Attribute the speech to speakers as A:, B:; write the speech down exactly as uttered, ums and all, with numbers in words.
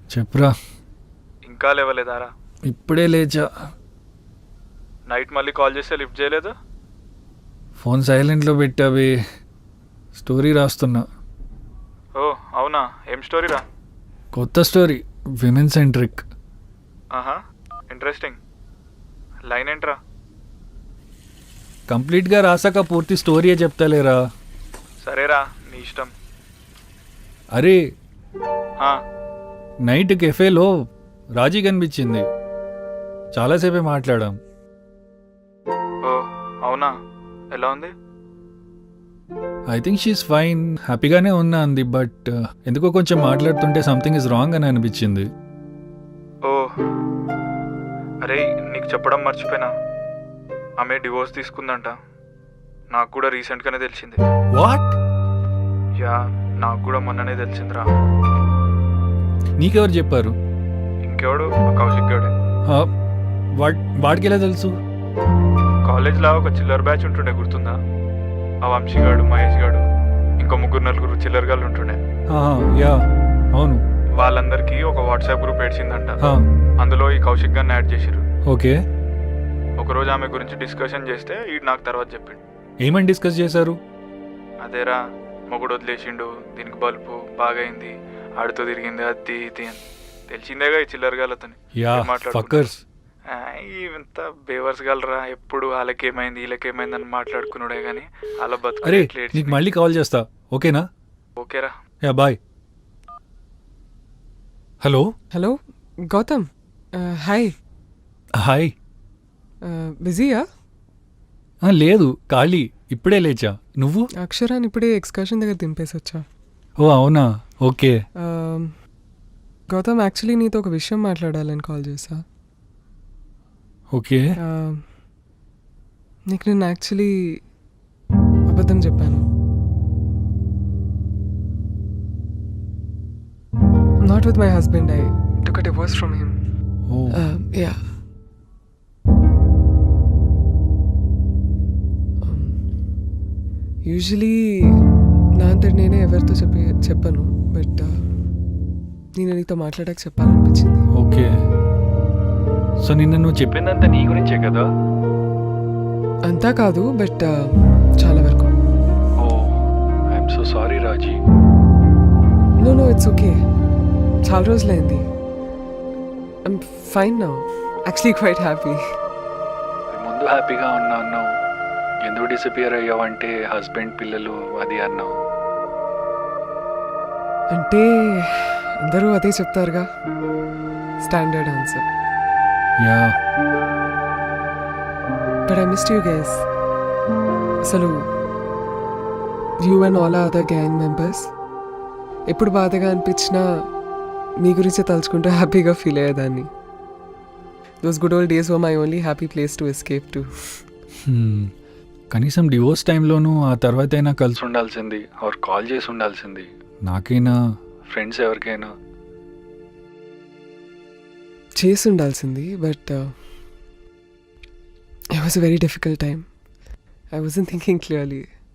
A: చెప్పురా.
B: ఇంకా లేవలేదారా?
A: ఇప్పుడే లేచా.
B: నైట్ మళ్ళీ కాల్ చేస్తే లిఫ్ట్ చేయలేదు.
A: ఫోన్ సైలెంట్లో పెట్టావి. స్టోరీ రాస్తున్నా.
B: ఓ అవునా, ఏం స్టోరీరా?
A: కొత్త స్టోరీ, విమెన్ సెంట్రిక్.
B: ఆహా, ఇంట్రెస్టింగ్. లైన్ ఏంట్రా?
A: కంప్లీట్గా రాసాక పూర్తి స్టోరీయే చెప్తాలేరా.
B: సరేరా, నీ ఇష్టం.
A: అరే
B: ఆ,
A: నైట్ కెఫేలో రాజీ కనిపించింది. చాలాసేపే మాట్లాడాం.
B: ఓ అవునా, ఎలా ఉంది?
A: ఐ థింక్ షీఈస్ ఫైన్, హ్యాపీగానే ఉన్నా అంది. బట్ ఎందుకో కొంచెం మాట్లాడుతుంటే సంథింగ్ ఇస్ రాంగ్ అని అనిపించింది.
B: ఓ అరే, నీకు చెప్పడం మర్చిపోయినా, ఆమె డివోర్స్ తీసుకుందంట. నాకు కూడా రీసెంట్గానే తెలిసింది.
A: వాట్?
B: యా, నాకు కూడా మొన్ననే తెలిసిందిరా.
A: నీకెవరు చెప్పారు?
B: ఇంకెవడు, ఆ కౌశిక్ గడే.
A: హా, వాడ్ వాడికి ఎలా తెలుసు?
B: కాలేజ్లో ఒక చిల్లర్ బ్యాచ్ ఉంటుండే, గుర్తుందా? ఆ వంశీగాడు, మహేష్ గాడు, ఇంకో ముగ్గురు నలుగురు చిల్లర్ గాళ్ళు ఉంటుండే.
A: ఆహా, యా అవును.
B: వాళ్ళందరికీ ఒక వాట్సాప్ గ్రూప్ ఏడ్చిందంట.
A: హా,
B: అందులో ఈ కౌశిక్ గారిని యాడ్ చేసిరు.
A: ఓకే.
B: ఒకరోజు ఆమె గురించి డిస్కషన్ చేస్తే ఈడు నాకు తర్వాత చెప్పిండు.
A: ఏమని డిస్కస్ చేశారు?
B: అదేరా, మొగుడు వదిలేసిండు, దీనికి బల్బు బాగైంది, ఆడితో తిరిగింది, అది ఇది అని. తెలిసిందేగా ఈ చిల్లర గాళ్ళతోని
A: యా ఫక్కర్స్.
B: ఇంత బేవర్స్ గలరా, ఎప్పుడు వాళ్ళకేమైంది వీళ్ళకేమైంది అని మాట్లాడుకున్నాడే కానీ వాళ్ళ బతుకు.
A: అరే నీకు మళ్ళీ కాల్ చేస్తా, ఓకేనా?
B: ఓకేరా.
A: Yeah bye. Hello
C: hello Gautam, hi.
A: Hi.
C: బిజీయా?
A: లేదు, ఖాళీ, ఇప్పుడే లేచా. నువ్వు?
C: అక్షరాన్ని ఇప్పుడే ఎక్స్కర్షన్ దగ్గర దింపేసి వచ్చా.
A: ఓ అవునా, ఓకే.
C: గౌతమ్, యాక్చువల్లీ నీతో ఒక విషయం మాట్లాడాలని కాల్ చేసా.
A: ఓకే.
C: నీకు నేను యాక్చువల్లీ అబద్ధం చెప్పాను. Not with my husband, I took a divorce from him. Yeah. Usually నా అంతటి నేనే ఎవరితో చెప్పి చెప్పాను, బట్ నేను నీతో మాట్లాడాక చెప్పాలనిపించింది.
A: ఓకే. సో నిన్న నువ్వు చెప్పిందంతా నీ గురించే కదా?
C: అంతా కాదు, బట్ చాలా వరకు.
A: Oh I'm so sorry Raji.
C: No no it's okay. చాలా రోజులైంది. I'm fine now, actually quite happy.
A: ముందు హ్యాపీగా ఉన్నా అన్నావు, ఎందుకు డిసపియర్ అయ్యావంటే హస్బెండ్ పిల్లలు అది అన్నావు.
C: అంటే అందరూ అదే చెప్తారుగా, standard answer.
A: Yeah,
C: but I missed you guys. అసలు you and all other gang members ఎప్పుడు బాధగా అనిపించినా మీ గురించే తలుచుకుంటూ హ్యాపీగా ఫీల్ అయ్యేదాన్ని. Those good old days were my only happy place to escape to.
A: కనీసం డివోర్స్ టైంలోనూ ఆ తర్వాత అయినా కలిసి ఉండాల్సింది, ఆర్ కాల్ చేసి ఉండాల్సింది. నాకైనా ఫ్రెండ్స్ ఎవరికైనా
C: చేసి ఉండాల్సింది. But it was a very difficult time. I wasn't thinking clearly.